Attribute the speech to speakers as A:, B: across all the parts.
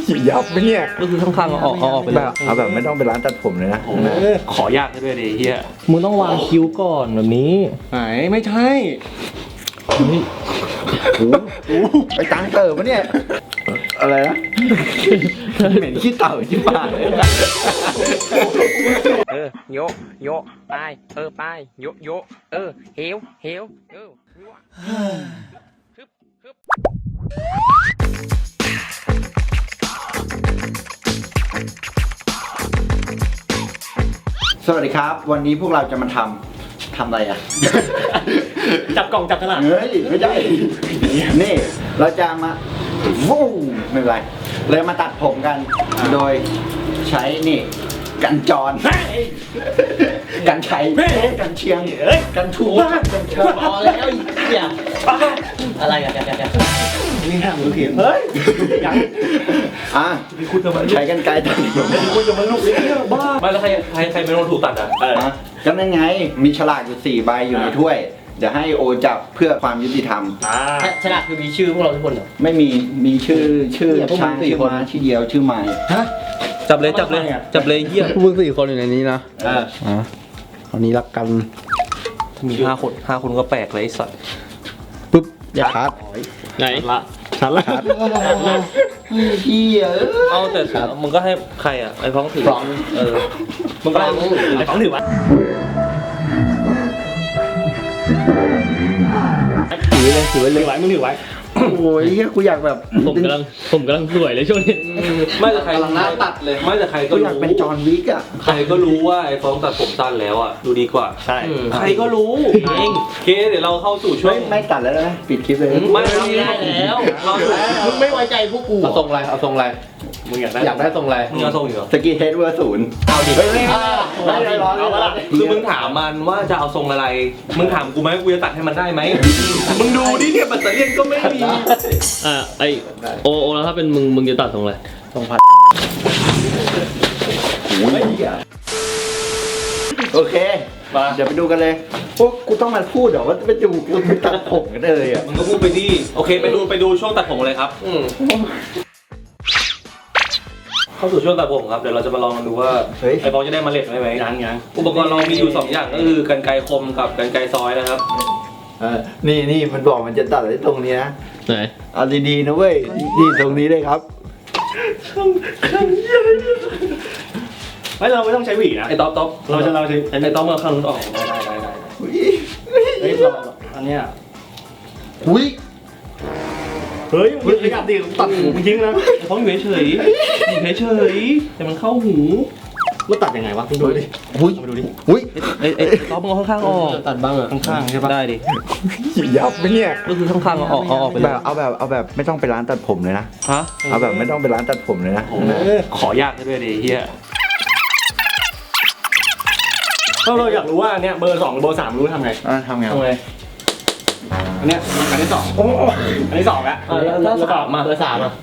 A: ยับไหมเนี่ย
B: ก็คือข้างๆเอาออกไปเลย
A: เอาแบบไม่ต้องไปร้านตัดผมเลยนะ
B: ขอยากด้วยดิเฮียมึงต้องวางคิ้วก่อนแบบนี้
C: ไหนไม่ใช่
A: ไปตังเติมปะเนี่ยอะไรนะเหม็นขี้เต่าที่ปาก
D: โยโยไปไปโยโยเหียว
A: สวัสดีครับวันนี้พวกเราจะมาทำอะไรอ่ะ
C: จับกล่องจับฉลาก
A: เฮ้ยไม่ใช่นี่เราจะมาวู้ไม่เป็นไรเลยมาตัดผมกันโดยใช้นี่กันจรกันชัยกันเชียงกันทูกันเชิญพอแล้วเหี้ย
C: อะไรกันนี่ห้ามมือเขียนเฮ้ยยัง
A: ใช้กันไกลตัด
C: คุณจะมาลุกเลยเนี่ยบ้า
B: ไม่แล้วใครเป็นคนถูกตัดอ่ะ
A: ก็นั่นไงมีฉลากอยู่4 ใบอยู่ในถ้วยเดี๋ยวให้โอจับเพื่อความยุติธรรม
C: ฉลากคือมีชื่อพวกเราทุกคนเหรอ
A: ไม่มีชื่อช้างชื่อม้าชื่อเดียวชื่อไม้
B: จับเลยเฮีย
A: พวกมึง4 คนอยู่ในนี้นะอันนี้รักกัน
B: มี5 คนก็แปลกเลยไอ้สัตว์
A: ปุ๊บอย่าคัด
C: ไหนชัดละ
A: เฮีย
B: เอาแต่มึงก็ให้ใครอ่ะไอ้ฟ้องถือมึงก็
C: ไอ้ฟ้องถือวะ
A: ถือไว้
C: มึงถือไว้
A: โอ้ยกูอยากแบบ
C: ผมกำลังสวยเลยช่วงนี้
B: ไม่แต่ใคร
A: กำลังหน้าตัดเลย
B: ไม่แต่ใครก็
A: อยากเป็นจอห์นวิกอ่ะ
B: ใครก็รู้ว่าไอ้ฟ้องตัดผมสั้นแล้วอ่ะดูดีกว่า
C: ใช่
B: ใครก็รู้เองเคเดี๋ยวเราเข้าสู่ช่วง
A: ไม่ตัดแล้วนะปิดคลิปเลย
B: ไม่ได้แล้ว
C: มึงไม่ไว้ใจพวกกู
A: เอาทรงอะไร
C: มึงอยาก
A: ได้ทรงอะไร
B: มึงเอาทรงอยู่
A: สกีเฮดเวอร์0เอาดิไม่ร้อน
B: คือมึงถามมันว่าจะเอาทรงอะไรมึงถามกูไหมกูจะตัดให้มันได้ไหมมึงดูดิเนี่ยปัตเตอร์เลียนก็ไม่มี
C: ไอโอแล้วถ้าเป็นมึงจะตัดทรงอะไร
A: ทรงพัดโอเคเดี๋ยวไปดูกันเลยพวกกูต้องมาพูดเหรอว่าไปดูกูตัดผมกันเลยอ่ะ
B: มึงก็พูดไปดิโอเคไปดูช่วงตัดผมเลยครับเข้าสู่ช่วงตัดผมครับเดี๋ยวเราจะมาลองกันดูว่าไอ้บอลจะได้เมล็ดไหม
C: ยัง
B: อุปกรณ์เรามีอยู่2 อย่างก็คือกรรไกรคมกับกรรไกรซอยนะครับ
A: นี่มันบอกมันจะตัดไอ้ตรงนี้นะ
C: ไหน
A: เอาดีๆนะเว้ยนี่ตรงนี้เลยครับ
C: ไม่เราไม่ต้องใช้หวีนะ
B: ไอ้ต๊อบ
C: เราใช้
B: ไอ้ต๊อบเอาข้างนู้นออกได้
C: เฮ้ยอันเนี้ยเฮ้ยมึงขยับดิตัดหูมึงทิ้งนะ
B: เพราะอยู่เฉยแต่มันเข้าหู
C: มันตัดยังไงวะมึงดูดิมาดูดิ
B: ไอ้ต๊อบมึงเอาข้างๆออก
C: ตัดบ้างอะ
B: ข้างๆใช่ปะได้ดิ
A: ยับไหมเนี่ย
B: ก็คือข้างๆเอาออกไปเลย
A: เอาแบบไม่ต้องไปร้านตัดผมเลยนะเอาแบบไม่ต้องไปร้านตัดผมเลยนะ
B: ขอยากด้วยดิเฮีย
C: เราอยากรู้ว่าเนี่ยเบอร์2เบอร์3รู้ทำไงอันเนี้ยอันที่2อันที่2แล้วแล้วมาเบอร์3อ่ะ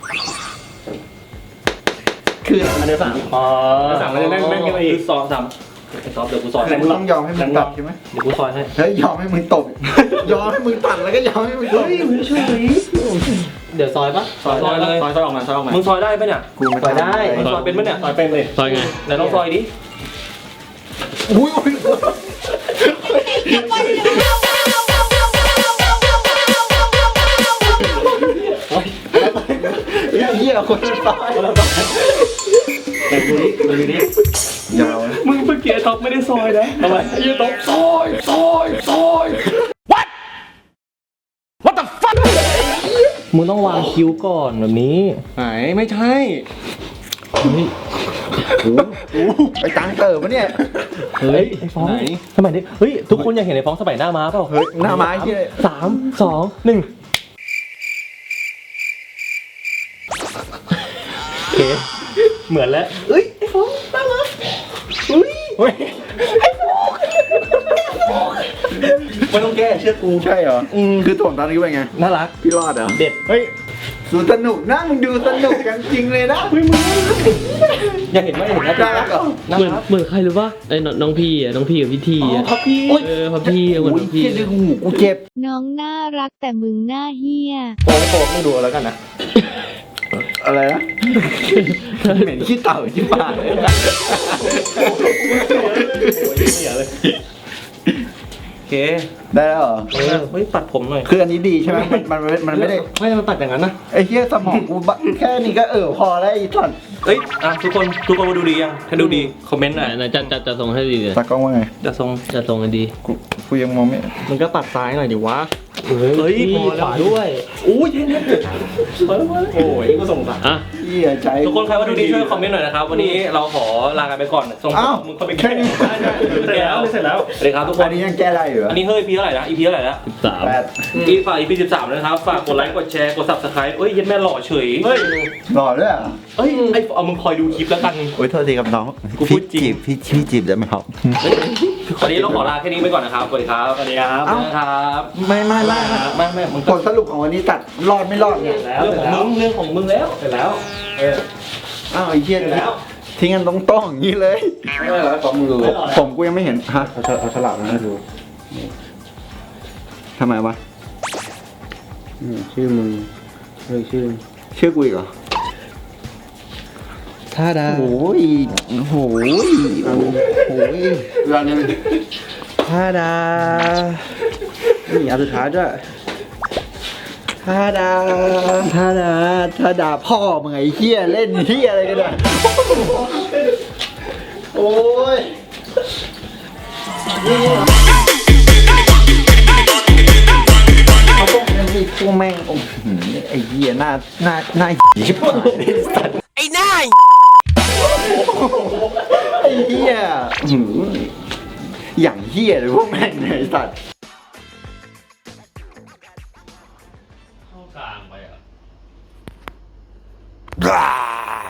C: คืออันที่33มันจะแน่นกันไปอีก
B: 2 3ไอ้ต๊อบเดี๋ยวกูซอย
A: มึงต้องยอมให้มึงตัดใช่ไหม
B: เดี๋ยวกูซอยให้
A: เฮ้ยยอมให้มึงตบยอมให้มึงตัดแล้วก็ยอมให้มึงตบ
C: เดี๋ยวซอยปะ
B: ซอยเลย
C: ซอยออกมา
B: มึงซอยได้ปะเนี่ย
A: กูซอยได้
B: มึงซอยเป็นปะเนี่ย
C: ซอยเป็นเลยซอยไง
B: ไหนลองซอยดิ
A: อุ้ยเหี้ยคนตาย
C: ดูดิ
A: ยาว
B: มึงเมื่อกี้ท็อปไม่ได้ซอยนะ
C: ทำไม
B: ยืนท็อปซอย What the fuck มึงต้องวางคิ้วก่อนแบบนี้
C: ไหนไม่ใช่
A: ไปตังเติมปะเนี่ย
B: เฮ้ยไอ้ฟ้องสมัยนี้เฮ้ยทุกคนอยากเห็นไอ้ฟ้องสมัยหน้าม้าเปล่า
A: เฮ้ยหน้าม้าที่
B: 3 2 1โอเคเหมือนแล้ว
C: เฮ้ยไอ้ฟ้องน่ารัก
B: ไอ้ฟ้องไม่ต้องแก้เชื่อกู
A: ใช่เหรอคือถ่วงตอนนี้เป็นไง
B: น่ารัก
A: พี่รอดเหรอ
B: เด็ดเฮ้ย
A: ดูสนุกนะมึงดูสนุกกันจริงเลยนะ
B: มึงอยากเห็นไหม
A: น่ารักเหรอ
C: เหมือนใครหรือว่าไอ้น้องพี่กับพี่ที
B: พับพี่
C: พับพี่เหมือนพี่
A: ดึงหูกูเจ็บ
E: น้องน่ารักแต่มึงหน้าเหี้ย
B: โป๊ไม่ดูแล้วกันนะ
A: อะไรนะเหม็นขี้เต่าชิบหายเลย
B: โอเค
A: ได้แล้วเหรอ
B: เฮ้ยปัดผมหน่อย
A: คืออันนี้ดีใช่ไหมมันไม่ได้
C: ไม่มันปัดอย่างนั้นนะ
A: ไอ้เหี้ยสมองกูแค่นี้ก็พอแล้วไอ้สัตว์
B: เอ้ยทุกคนมาดูดียังถ้าดูดีคอมเมนต์หน่อย
C: ไหนจะส่งให้ดีเลย
A: ตากล้องว่าไง
B: จะส่ง
C: จะส่งให้ดี
A: กูยังมองไม่
C: มันก็ปัดซ้ายหน่อยดิวะ
B: เฮ้ย
C: มีขวาด้วย
B: อู้ยเท่
C: โอ้ยก็ส่งสายอ่ะ
A: เหี้ยใจ
B: ๆทุกคนใครว่าดูดีช่วยคอมเมนต์หน่อยนะครับวันนี้เราขอลากันไปก่อนส่ง
A: อ้าว
B: มึงเข้าไป
A: แค่นี้
B: เสร็จแล้วสวัสดีครับทุกค
A: อั
B: น
A: นนี้ยังแก้ได้อยู่เหรอ
B: อันนี้เฮ้ย EP เท่าไหร่นะ EP เท่าไหร่แล้ว
A: แปด
B: ฝาก EP 13นะครับฝากกดไลค์กดแชร์กด Subscribe เอ้ยเย็นแม่หล่อเฉย
A: หล่อด้วยเหรอ
B: เอ้ยไอ้เอามึงคอยดูคลิปแล้วกัน
A: โอ้ยโทษทีครับน้อง
B: กูพูดจริง
A: พี่จีบได้ไหมครับ
B: วันนี้เราขอลาแค่นี้ไปก่อนนะครับสวัสดีครับ
C: สวัสดีครับ
B: นะครับ
A: ไม่
B: ไม่มึง
A: ผลสรุปของวันนี้ตัดรอดไม่รอดเนี่ย
B: เรื่องของมึงแล้วเสร็จแล้ว
A: อ้าวไอ้เหี้ยทิ้งกันตรงๆอย่างนี้เลย
B: ไม่เป็นไรของมึงดู
A: ผมกูยังไม่เห็นฮะเอาฉลากมาให้ดูทำไมวะ
C: ชื่อมึงชื่อ
A: กูอีกเหรอ
C: ท่าดา
A: โอ้ยโอ้ยเรื่องนี้
C: ท่าดานี่อันสุดท้ายด้วย
A: ถ้าด่าพ่อมึงไอ้เหี้ยเล่นเหี้ยอะไรกันเนี่ยโอ้ยเขาต้องเป็นพวกแม่งโอ้โหไอ้เหี้ยหน้าชิบหายเลยสัตว์
D: ไอ้นาย
A: ไอ้เหี้ยอย่างเหี้ยเลยพวกแม่งเนี่ยไอ้สัตว์
C: เข้ากลางไปอ่ะ
A: Blah!